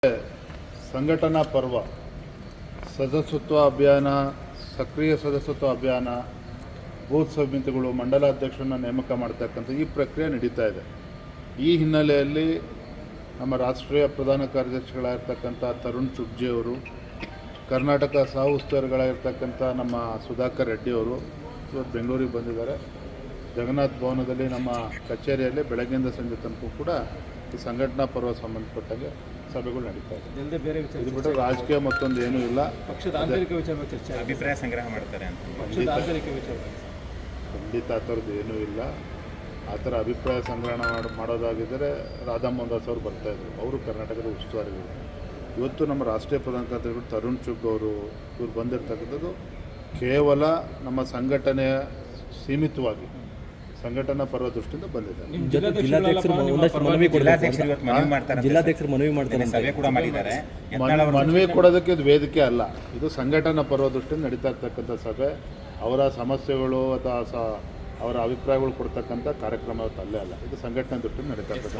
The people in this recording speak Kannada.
ಸಂಘಟನಾ ಪರ್ವ ಸದಸ್ಯತ್ವ ಅಭಿಯಾನ, ಸಕ್ರಿಯ ಸದಸ್ಯತ್ವ ಅಭಿಯಾನ, ಬೂತ್ ಸಮಿತಿಗಳು, ಮಂಡಲಾಧ್ಯಕ್ಷರನ್ನು ನೇಮಕ ಮಾಡ್ತಕ್ಕಂಥ ಈ ಪ್ರಕ್ರಿಯೆ ನಡೀತಾ ಇದೆ. ಈ ಹಿನ್ನೆಲೆಯಲ್ಲಿ ನಮ್ಮ ರಾಷ್ಟ್ರೀಯ ಪ್ರಧಾನ ಕಾರ್ಯದರ್ಶಿಗಳಾಗಿರ್ತಕ್ಕಂಥ ತರುಣ್ ಚುಗ್ಜಿ ಅವರು, ಕರ್ನಾಟಕ ಸಹ ಉಸ್ತುವಾರಿಗಳಾಗಿರ್ತಕ್ಕಂಥ ನಮ್ಮ ಸುಧಾಕರ್ ರೆಡ್ಡಿ ಅವರು ಇವತ್ತು ಬೆಂಗಳೂರಿಗೆ ಬಂದಿದ್ದಾರೆ. ಜಗನ್ನಾಥ ಭವನದಲ್ಲಿ ನಮ್ಮ ಕಚೇರಿಯಲ್ಲಿ ಬೆಳಗ್ಗೆಯಿಂದ ಸಂಜೆ ತನಕ ಕೂಡ ಈ ಸಂಘಟನಾ ಪರ್ವ ಸಂಬಂಧಪಟ್ಟಂಗೆ ಸಭೆಗಳು ನಡೀತಾ ಇದೆ. ಇದು ಬಿಟ್ಟರೆ ರಾಜಕೀಯ ಮತ್ತೊಂದು ಏನೂ ಇಲ್ಲ. ಪಕ್ಷದ ಆಂತರಿಕ ವಿಚಾರ ಚರ್ಚೆ, ಅಭಿಪ್ರಾಯ ಸಂಗ್ರಹ ಮಾಡ್ತಾರೆ ಅಂತ ಪಕ್ಷದ ಆಂತರಿಕ ವಿಚಾರ ಖಂಡಿತ ಆ ಥರದ್ದು ಏನೂ ಇಲ್ಲ. ಆ ಥರ ಅಭಿಪ್ರಾಯ ಸಂಗ್ರಹಣ ಮಾಡೋದಾಗಿದ್ದರೆ ರಾಧಾ ಮೋಹನ್ ದಾಸ್ ಅವರು ಬರ್ತಾಯಿದ್ರು. ಅವರು ಕರ್ನಾಟಕದ ಉಸ್ತುವಾರಿಗಳು. ಇವತ್ತು ನಮ್ಮ ರಾಷ್ಟ್ರೀಯ ಪ್ರಧಾನ ಕಾರ್ಯದರ್ಶಿಗಳು ತರುಣ್ ಚುಗ್ ಅವರು ಇವ್ರು ಬಂದಿರತಕ್ಕಂಥದ್ದು ಕೇವಲ ನಮ್ಮ ಸಂಘಟನೆಯ ಸೀಮಿತವಾಗಿ ಸಂಘಟನಾ ಪರ್ವ ದೃಷ್ಟಿಯಿಂದ ಬಂದಿದೆ. ಜಿಲ್ಲಾಧ್ಯಕ್ಷರು ಮನವಿ ಮಾಡ್ತಾರೆ, ಸಭೆ ಕೂಡ ಮಾಡಿದ್ದಾರೆ. ಮನವಿ ಕೊಡೋದಕ್ಕೆ ಇದು ವೇದಿಕೆ ಅಲ್ಲ. ಇದು ಸಂಘಟನಾ ಪರ್ವ ದೃಷ್ಟಿಯಿಂದ ನಡೀತಾ ಇರ್ತಕ್ಕಂಥ ಸಭೆ. ಅವರ ಸಮಸ್ಯೆಗಳು ಅಥವಾ ಅವರ ಅಭಿಪ್ರಾಯಗಳು ಕೊಡ್ತಕ್ಕಂಥ ಕಾರ್ಯಕ್ರಮ ಅಲ್ಲೇ ಅಲ್ಲ. ಇದು ಸಂಘಟನಾ ದೃಷ್ಟಿಯಿಂದ ನಡೀತಾ ಇರ್ತಕ್ಕಂಥ